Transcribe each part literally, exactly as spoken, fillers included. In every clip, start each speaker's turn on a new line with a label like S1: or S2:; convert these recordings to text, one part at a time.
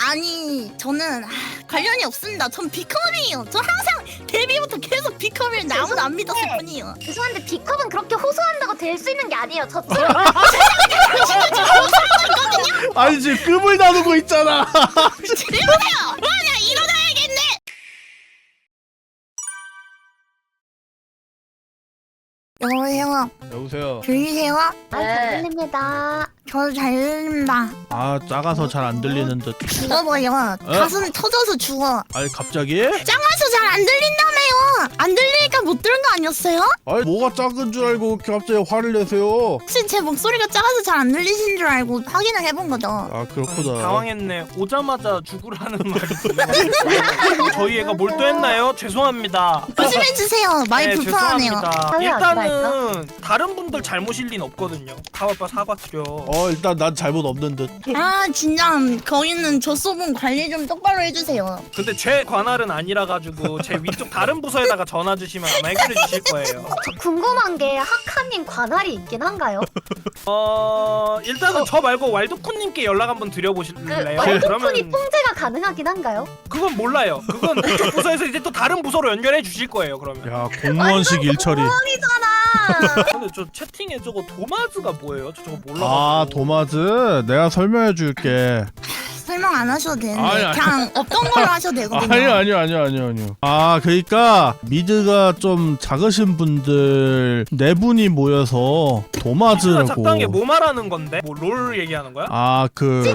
S1: 아니 저는 아, 관련이 없습니다. 전 B컵이에요. 저 항상 데뷔부터 계속 B컵을 아무도 안 믿었을 뿐이에요.
S2: 죄송한데 B컵은 그렇게 호소한다고 될 수 있는 게 아니에요. 저처럼
S3: 아니 지금 급을 나누고 있잖아.
S1: 이러세요. 와나 일어나야겠네. 여보세요.
S3: 여보세요.
S1: 들리세요?
S2: 잘 들립니다.
S1: 저 잘 들립니다.
S3: 아 작아서 잘 안 들리는 듯.
S1: 죽어버려. 가슴 터져서 죽어.
S3: 아니 갑자기?
S1: 작아서 잘 안 들린다며요. 안 들리니까 못 들은 거 아니었어요?
S3: 아니 뭐가 작은 줄 알고 이렇게 갑자기 화를 내세요?
S1: 혹시 제 목소리가 작아서 잘 안 들리신 줄 알고 확인을 해본 거죠.
S3: 아 그렇구나.
S4: 당황했네. 오자마자 죽으라는 말이. 저희 애가 몰두했나요? 죄송합니다.
S1: 조심해 주세요. 많이
S4: 네,
S1: 불편하네요.
S4: 죄송합니다.
S2: 사회
S4: 일단은 다른 분들 잘못일 린 없거든요. 가봐봐 사과드려.
S3: 어 일단 난 잘못 없는 듯.
S1: 아 진짜 거기는 조소분 관리 좀 똑바로 해주세요.
S4: 근데 제 관할은 아니라 가지고 제 위쪽 다른 부서에다가 전화 주시면 아마 해결해 주실 거예요.
S2: 저 궁금한 게 하카님 관할이 있긴 한가요?
S4: 어 일단은 저 말고 왈도쿤님께 연락 한번
S2: 그
S4: 드려보실래요?
S2: 왈도쿤이 통제가 가능하긴 한가요?
S4: 그건 몰라요. 그건 그쪽 부서에서 이제 또 다른 부서로 연결해 주실 거예요. 그러면.
S3: 야 공무원식 일처리.
S2: 뻥이잖아.
S4: 근데 저 채팅에 저거 도마즈가 뭐예요? 저 저거 몰라.
S3: 아 도마즈 내가 설명해 줄게.
S1: 설명 안 하셔도 되는데
S3: 아니, 아니.
S1: 그냥 없던 걸로 하셔도 되거든요.
S3: 아니요 아니요 아니요 아니요 아니요. 아 그러니까 미드가 좀 작으신 분들 네 분이 모여서 도마즈라고.
S4: 작당에 뭐 말하는 건데? 뭐 롤 얘기하는 거야?
S3: 아그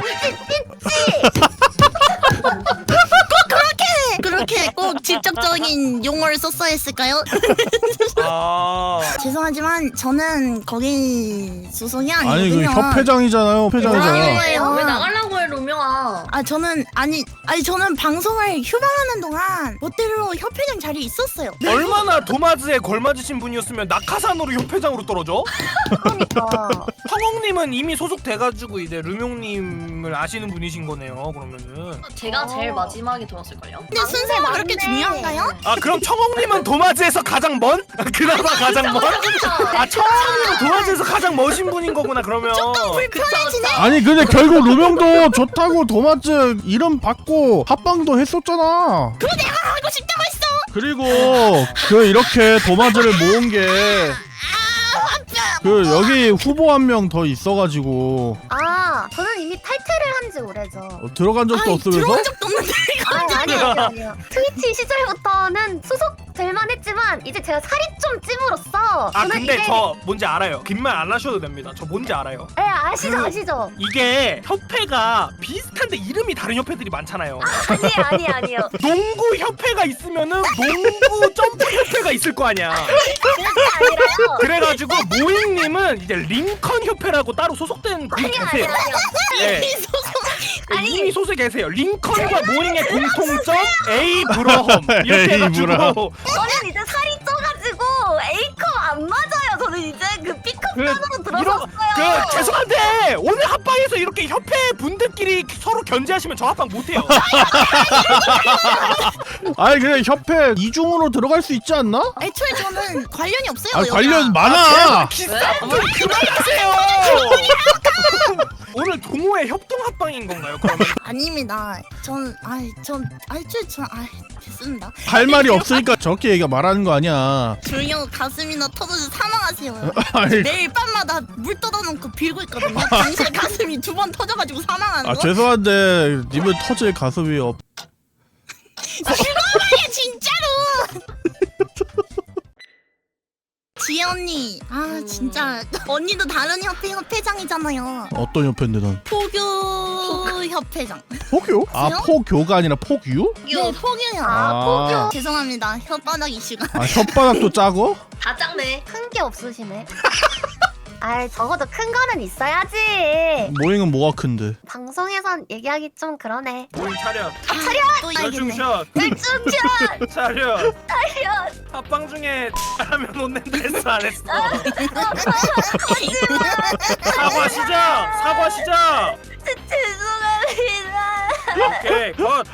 S1: 그렇게 꼭 직접적인 용어를 썼어야 했을까요?
S4: 아.
S1: 죄송하지만 저는 거기 소속이
S3: 아니 그
S1: 아니거든요.
S3: 협회장이잖아요. 협회장이잖아.
S1: 아니에요.
S5: 왜 나가려고 해 로명아?
S1: 아 저는 아니 아니 저는 방송을 휴방하는 동안 멋대로 협회장 자리에 있었어요.
S4: 얼마나 도마즈에 걸맞으신 분이었으면 낙하산으로 협회장으로 떨어져?
S2: 그러니까.
S4: 황홍님은 이미 소속돼가지고 이제 르명님을 아시는 분이신 거네요. 그러면은.
S5: 제가
S2: 어.
S5: 제일 마지막에 들었을걸요?
S1: 근데 순서가
S2: 맞네.
S1: 그렇게 중요한가요?
S4: 아 그럼 청홍님은 도마즈에서 가장 먼? 그나마 가장 먼? 아 청홍님은 도마즈에서 가장 멋진 분인 거구나 그러면.
S1: 불편해지네.
S3: 아니 근데 결국 루명도 좋다고 도마즈 이름 받고 합방도 했었잖아.
S1: 그거 내가 하고 싶다고 했어.
S3: 그리고 그 이렇게 도마즈를 모은 게 그 여기 후보 한 명 더 있어가지고
S2: 아, 저는 이미 탈퇴를 한 지 오래죠.
S3: 어, 들어간 적도
S1: 아니,
S3: 없으면서?
S1: 들어온 적도 없는데 이거.
S2: 아니, 아니요, 아니요, 아니요. 트위치 시절부터는 소속될만 했지만 이제 제가 살이 좀 찜으로써
S4: 아
S2: 저는
S4: 근데
S2: 이게...
S4: 저 뭔지 알아요. 긴 말 안 하셔도 됩니다. 저 뭔지 알아요.
S2: 네, 아시죠,
S4: 그-
S2: 아시죠?
S4: 이게 협회가 비슷한데 이름이 다른 협회들이 많잖아요.
S2: 아니, 아니, 아니요.
S4: 농구 협회가 있으면은 농구 점프 협회가 있을 거 아니야.
S2: 그게 아니라요.
S4: 그래가지고 모잉님은 이제 링컨 협회라고 따로 소속된 분이
S2: 아니, 아니,
S4: 계세요.
S2: 아니요.
S4: 네.
S1: 이 소속.
S2: 아니.
S4: 이미 소속에 계세요. 링컨과 모잉의 공통점 A 브러험 이렇게
S3: A
S4: 해가지고
S3: 브라험.
S2: 저는 이제 살이 쪄가지고 A컵 안 맞아요. 저는 이제 그 B컵
S4: 그,
S2: 단으로
S4: 이런
S2: 들어섰어요.
S4: 그 죄송한데 오늘 합방에서 이렇게 협회 분들끼리 서로 견제하시면 저 합방 못해요.
S3: 아니 그냥 협회 이중으로 들어갈 수 있지 않나?
S1: 애초에 저는 관련이 없어요.
S3: 아
S1: 여기랑.
S3: 관련 많아.
S4: 기싸 좀 그만하세요. 오늘 동호회 협동 합방인 건가요? 그러면
S1: 아닙니다. 전 아이 전 애초에 전아 됐습니다.
S3: 할 말이 없으니까 저렇게 얘기가 말하는 거 아니야.
S1: 조용히 하고 가슴이나 터져서 사망하세요.
S3: 아니,
S1: 매일 밤마다 물 떠다놓고 빌고 있거든요. 당신의 가슴이 두 번 터져가지고 사망하는
S3: 아
S1: 거.
S3: 죄송한데 님은 터질 가슴이 없.
S1: 죽어버려 진짜로. 지혜 언니, 아 진짜 언니도 다른 협회 협회장이잖아요.
S3: 어떤 협회인데 넌?
S1: 포교 협회장.
S3: 포교? 아
S1: 그래요?
S3: 포교가 아니라 폭유?
S1: 네, 포교요.
S2: 아,
S3: 아.
S2: 포교.
S1: 죄송합니다. 혓바닥 이슈가.
S3: 아 혓바닥도 짜고?
S5: 다 짱네.
S2: 큰 게 없으시네. 아이, 적어도 큰 거는 있어야지.
S3: 모잉은 뭐가 큰데?
S2: 방송에선 얘기하기 좀 그러네.
S4: 모잉 차렷.
S1: 또 이야기네.
S4: 열중샷.
S2: 일중편!
S4: 차렷.
S2: 차렷!
S4: 합방 중에 하면 혼낸다 했어 안 했어? 사과 시작. 사과 시작.
S2: 죄송합니다.
S4: 오케이 컷.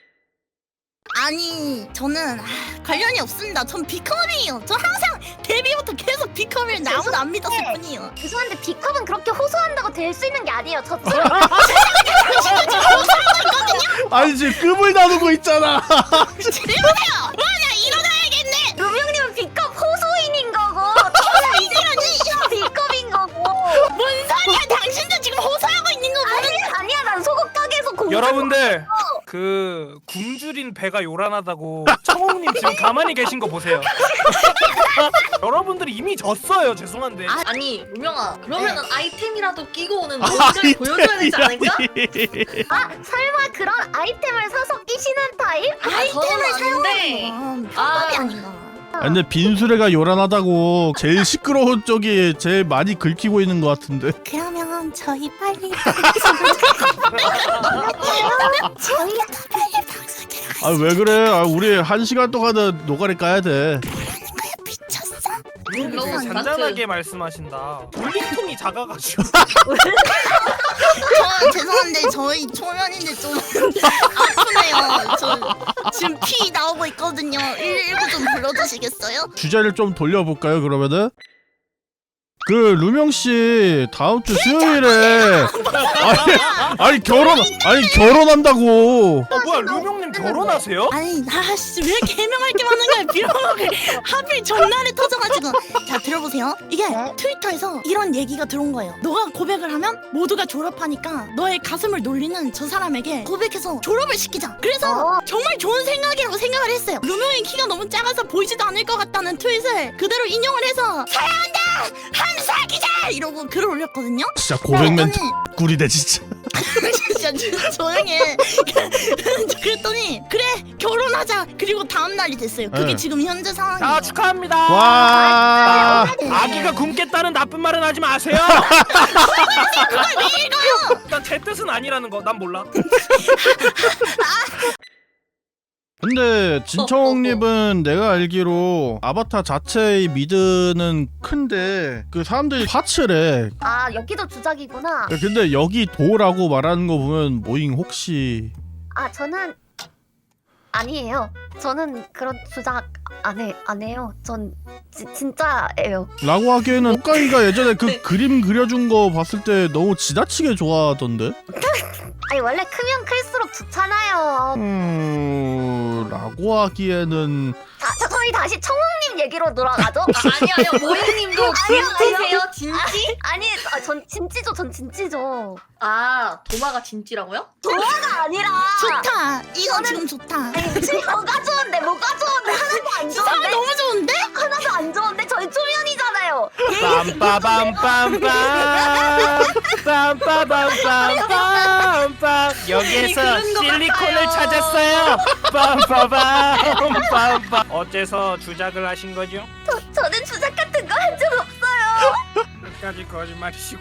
S1: 아니 저는 아, 관련이 없습니다. 전 B컵이에요. 저 항상 데뷔부터 계속 B컵을 아무도 안 믿었을
S2: 네.
S1: 뿐이에요.
S2: 죄송한데 B컵은 그렇게 호소한다고 될 수 있는 게 아니에요. 저처럼.
S3: 아니 지금 급을 나누고 있잖아.
S1: 이러세요. 와나 일어나야겠네.
S2: 루명님은 B컵 호소인인 거고 저는 이제는 B컵인 거고.
S1: 뭔 소리야? 당신도 지금 호소하고 있는 거
S2: 아니
S1: 보는.
S2: 아니야 난 소금 가게에서 공.
S4: 여러분들 그 굶주린 배가 요란하다고 청홍님 지금 가만히 계신 거 보세요. 여러분들이 이미 졌어요. 죄송한데.
S5: 아, 아니 루명아 그러면은 아이템이라도 끼고 오는
S3: 아,
S5: 뭔가를 보여줘야 되지 않을까?
S2: 아 설마 그런 아이템을 사서 끼시는 타입?
S1: 아이템을
S5: 아닌데.
S1: 사용하는 건
S5: 아.
S1: 편법이 아닌가.
S3: 아, 근데 빈수레가 요란하다고 제일 시끄러운 쪽이 제일 많이 긁히고 있는 것 같은데.
S1: 그러면 저희 빨리
S2: 저희가
S1: 빨리 방송 들어가.
S3: 아 왜 그래? 아 우리 한 시간 동안은 노가리 까야 돼.
S1: 미쳤어?
S4: 되게
S5: 너무
S4: 잔잔하게 말씀하신다. 돌림통이 작아가지고.
S1: 저 죄송한데 저희 초면인데 좀 아프네요. 저 지금 피 나오고 있거든요. 일일구 좀 불러주시겠어요?
S3: 주제를 좀 돌려볼까요 그러면은? 그 루명 씨 다음 주 수요일에 아니, 아니 결혼 아니 결혼한다고.
S4: 어 뭐야 루명님 결혼하세요?
S1: 아니 나씨 왜 이렇게 해명할 게 많은 거야? 빌어먹을 하필 전날에 터져가지고. 자 들어보세요. 이게 트위터에서 이런 얘기가 들어온 거예요. 너가 고백을 하면 모두가 졸업하니까 너의 가슴을 놀리는 저 사람에게 고백해서 졸업을 시키자. 그래서
S2: 어.
S1: 정말 좋은 생각이라고 생각을 했어요. 루명의 키가 너무 작아서 보이지도 않을 것 같다는 트윗을 그대로 인용을 해서 사랑한다 한사기자 이러고 글을 올렸거든요.
S3: 진짜 고백 멘트
S1: 그랬더니
S3: 꿀이네 진짜.
S1: 진짜 조- 조용히 해. 그랬더니 그래 결혼하자. 그리고 다음 날이 됐어요. 그게
S3: 네.
S1: 지금 현재 상황이에요.
S4: 자 축하합니다.
S3: 와.
S4: 아기가 굶겠다는 나쁜 말은 하지 마세요.
S1: 그걸 왜 읽어요?
S4: 일단 제 뜻은 아니라는 거 난 몰라.
S3: 근데 진청님은 내가 알기로 아바타 자체의 미드는 큰데 그 사람들이 파츠래.
S2: 아 여기도 주작이구나.
S3: 근데 여기 도라고 말하는 거 보면 모잉 혹시
S2: 아 저는 아니에요. 저는 그런 주작 안 해, 안 해요. 전 지, 진짜예요.
S3: 라고 하기에는 호카이가 예전에 그 그림 그려준 거 봤을 때 너무 지나치게 좋아하던데?
S2: 아니 원래 크면 클수록 좋잖아요.
S3: 음... 라고 하기에는
S2: 자, 자 저희 다시 청홍님 얘기로 돌아가죠.
S5: 아, 아니 아니요 모잉님도 진지세요? 진지?
S2: 아니 아, 전 진지죠. 전 진지죠.
S5: 아 도마가 진지라고요?
S2: 도화가 아니라.
S1: 좋다. 이거
S2: 저는-
S1: 지금 좋다.
S2: 아니 지금 뭐가 좋은데 뭐가 좋은데 하나도 안
S1: 사람
S2: 좋은데
S1: 너무 좋은데?
S2: 하나도 안 좋은데 저희 초면이잖아요.
S4: 빰빠밤빰빰 빰빠밤빰빰빰 여기에서
S5: 그런 거
S4: 실리콘을
S5: 같아요.
S4: 찾았어요. 빰빠밤빰빰 어째서 주작을 하신 거죠?
S2: 저, 저는 주작 같은 거 한 적 없어요.
S4: 끝까지 거짓말이시고.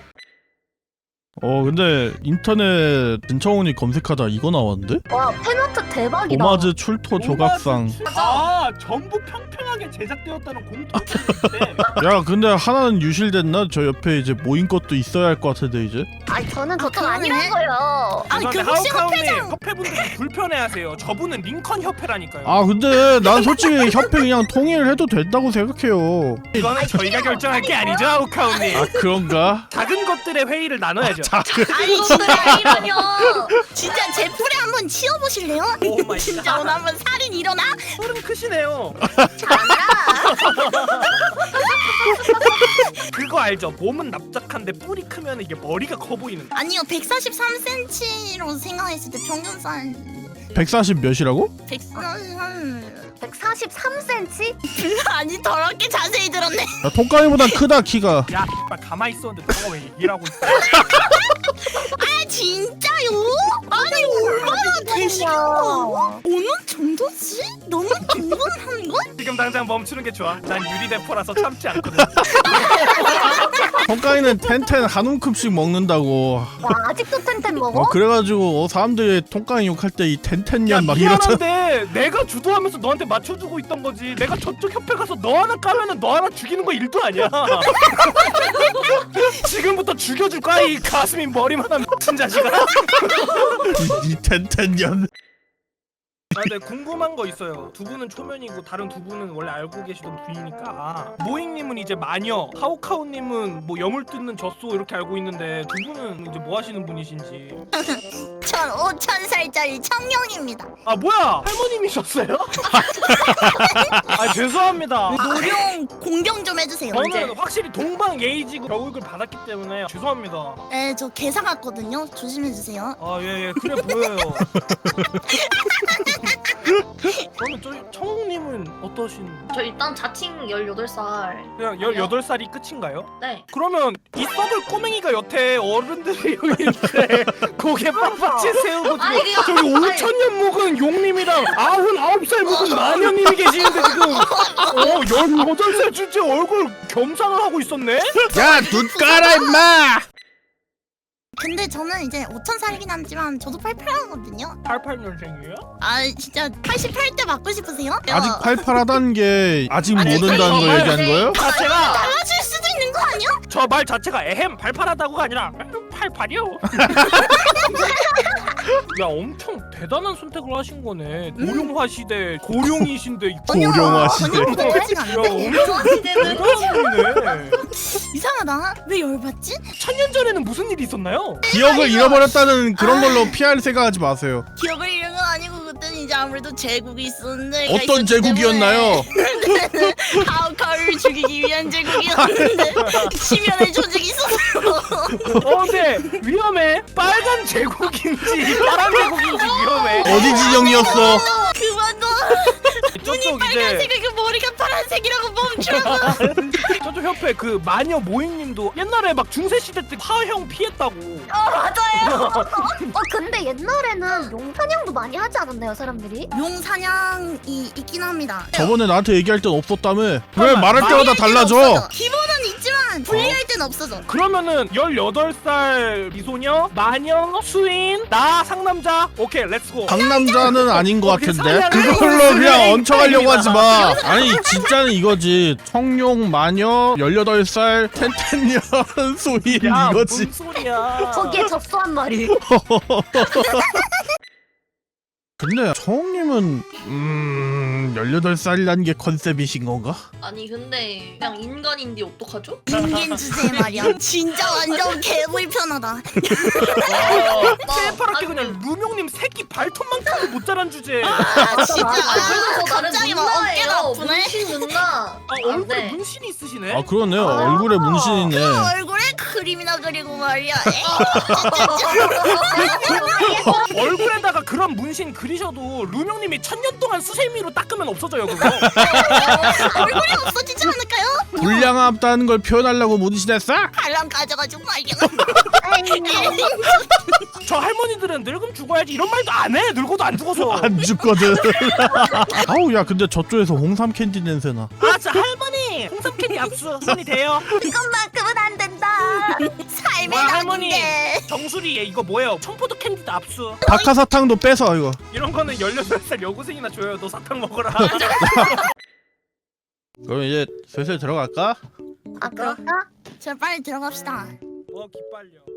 S3: 어 근데 인터넷 진청훈이 검색하다 이거 나왔는데?
S2: 와 팬아트 대박이다.
S3: 오마즈 출토 조각상.
S4: 아 전부 평평하게 제작되었다는 공통점인데.
S3: 야 근데 하나는 유실됐나? 저 옆에 이제 모인 것도 있어야 할 것 같은데 이제.
S2: 아니 저는 저쪽
S1: 그러네.
S2: 아니라고요.
S1: 아니 그
S4: 죄송한데
S1: 혹시
S4: 하우카우님
S1: 협회장
S4: 협회분들이 불편해하세요. 저분은 링컨 협회라니까요.
S3: 아 근데 난 솔직히 협회 그냥 통일해도 된다고 생각해요.
S4: 이거는 저희가 결정할 게 아니죠, 하우카우님.
S3: 아 그런가?
S4: 작은 것들의 회의를 나눠야죠.
S1: 아니
S5: 이것들이 아니라뇨.
S1: 진짜 제 풀에 한번 치워보실래요?
S4: 오 마이
S1: 진짜
S4: 갓.
S1: 오늘 한번 살인 일어나?
S4: 소름 크시네요. 그거 알죠? 몸은 납작한데 뿔이 크면 이게 머리가 커 보이는.
S1: 아니요 백사십삼 센티미터로 생각했을 때 평균
S3: 백사십 몇이라고?
S1: 백사십삼
S2: 백사십삼 센티미터?
S1: 아니 더럽게 자세히 들었네.
S3: 야, 통깡이보다 크다 키가.
S4: 야, 막 가만히 있었는데 너가 왜 얘기를 하고 있어?
S1: 아 진짜요? 아니 얼마나 되시겠어? 어느 정도지? 너무 궁금한 걸?
S4: 지금 당장 멈추는 게 좋아. 난 유리대포라서 참지 않거든.
S3: 통깡이는 텐텐 한 움큼씩 먹는다고.
S2: 와 아직도 텐텐 먹어?
S3: 어 그래가지고 어, 사람들이 통깡이 욕할 때 이 텐텐년 막 이러잖아.
S4: 미안한데 내가 주도하면서 너한테 맞춰주고 있던 거지. 내가 저쪽 협회 가서 너 하나 까면은 너 하나 죽이는 거 일도 아니야. 지금부터 죽여줄 거야 이 가슴이 머리만한 미친 자식아.
S3: 이 텐텐년.
S4: 아, 네, 궁금한 거 있어요. 두 분은 초면이고 다른 두 분은 원래 알고 계시던 분이니까. 아, 모잉님은 이제 마녀, 카오카오님은 뭐 염을 뜯는 젖소 이렇게 알고 있는데 두 분은 이제 뭐 하시는 분이신지.
S1: 전 오천 살짜리 청룡입니다.
S4: 아 뭐야? 할머님이셨어요? 아 죄송합니다.
S1: 노령 공경 좀 해주세요.
S4: 저는 확실히 동방 예의지구 교육을 받았기 때문에 죄송합니다.
S1: 네, 저 개사 같거든요. 조심해주세요.
S4: 아 예 예 그래 보여요. 그러면 저 청웅님은 어떠신?
S5: 저 일단 자칭 열여덟 살.
S4: 그냥 열여덟 살이 끝인가요?
S5: 네.
S4: 그러면 이 썩을 꼬맹이가 여태 어른들이 여기 있는데 고개 빡빡치 세우고
S5: 아니, 그냥-
S4: 저기
S5: 아니.
S4: 오천 년 먹은 용님이랑 아흔아홉 살 먹은 마녀님이 계시는데 지금 어 열여덟 살 주제 얼굴 겸상을 하고 있었네?
S3: 야, 눈 까라 임마.
S1: 근데 저는 이제 오천 살이긴 하지만 저도 팔팔하거든요.
S4: 팔십팔 년생이에요?
S1: 아 진짜 팔십팔 대 맞고 싶으세요?
S3: 아직 팔팔하다는 게 아직
S4: 아니,
S3: 모른다는 거
S4: 아니,
S3: 얘기한 거예요?
S4: 자체가
S1: 달라질 수도 있는 거 아니야?
S4: 저 말 자체가 에헴 팔팔하다고가 아니라 팔팔이요. 야 엄청 대단한 선택을 하신 거네. 고령화 시대 고령이신데
S3: 고령화 시대.
S1: 전혀 그렇지가
S4: 야
S1: 않은데?
S4: 엄청
S5: 시대는
S4: 대단한 분이네.
S1: 이상하다. 왜 열받지?
S4: 천년 전에는 무슨 일이 있었나요?
S3: 기억을 잃어버렸다는 그런 걸로 피할 생각하지 마세요.
S1: 기억을 잃은 건 아니고 그때는 이제 아무래도 제국이 있었는데
S3: 어떤 제국이었나요?
S1: 하우카를 죽이기 위한 제국이었는데 심연의 조직이 있었어요.
S4: 어 근데 위험해. 빨간 제국인지 파란 제국인지 위험해.
S3: 어디 진영이었어?
S1: 그만둬.
S4: 저쪽 이제
S1: 빨간색이고 머리가 파란색이라고 멈추라고.
S4: 저쪽 협회 그 마녀 모잉님도 옛날에 막 중세 시대 때 화형 피했다고.
S2: 어 맞아요. 어 근데 옛날에는 용사냥도 많이 하지 않았나요 사람들이?
S1: 용 사냥이 있긴 합니다.
S3: 저번에 나한테 얘기할 땐 없었다며. 왜 말할 때마다
S1: 불리할 때는
S3: 달라져?
S1: 없어져. 기본은 있지만 분리할 때는 없어져.
S4: 그러면은 열여덟 살 미소녀, 마녀, 수인, 나 상남자. 오케이 렛츠고.
S3: 강남자는 아닌 것
S4: 어, 그
S3: 같은데?
S4: 사냥을
S3: 그걸로
S4: 하는
S3: 그냥
S4: 사냥이
S3: 얹혀가려고 하지 마.
S4: 있습니다.
S3: 아니 진짜는 이거지. 청룡 마녀 열여덟 살 텐텐년 소인
S4: 야,
S3: 이거지.
S4: 뭔 소리야.
S2: 거기에 접수한 말이.
S3: 근데 청님은 음 열여덟 살이라는 게 컨셉이신 건가?
S5: 아니 근데 그냥 인간인데 어떡하죠?
S1: 인간 주제 말이야. 진짜 완전 개불편하다.
S4: 새파랗게 그냥 루명님 새끼 발톱만큼도 못 자란 주제. 아,
S1: 아 진짜.
S5: 그래서
S1: 아,
S5: 나는
S1: 갑자기 막 어깨가
S5: 누나예요.
S1: 아프네.
S5: 문신 누나.
S4: 얼굴에
S5: 네.
S4: 문신이 있으시네.
S3: 아 그러네요. 얼굴에 문신이네.
S1: 그 얼굴에 그림이나 그리고 말이야.
S4: 얼굴에다가 그런 문신 그리셔도 루명님이 천년 동안 수세미로 닦으면 없어져요 그거.
S1: 얼굴이 없어지지 않을까요?
S3: 불량하다는 걸 표현하려고 문신했어?
S1: 발랑 가져가지고 말이야.
S4: 저 할머니들은 늙음 죽어야지 이런 말도 안 해. 늙어도 안 죽어서.
S3: 안 죽거든. 아우 야 근데 저쪽에서 홍삼 캔디 냄새나.
S4: 아, 저 할머니 홍삼 캔디 압수 손이 돼요.
S1: 이것만큼은 안 된다. 삶의
S4: 와, 할머니
S1: 낙인데.
S4: 정수리 얘 이거 뭐예요? 청포도 캔디도 압수.
S3: 박하사탕도 빼서 이거.
S4: 이런 거는 열여덟 살 여고생이나 줘요. 너 사탕 먹어라.
S3: 그럼 이제 슬슬 들어갈까?
S2: 아 그럴까?
S1: 자 빨리 들어갑시다.
S4: 어 기빨려.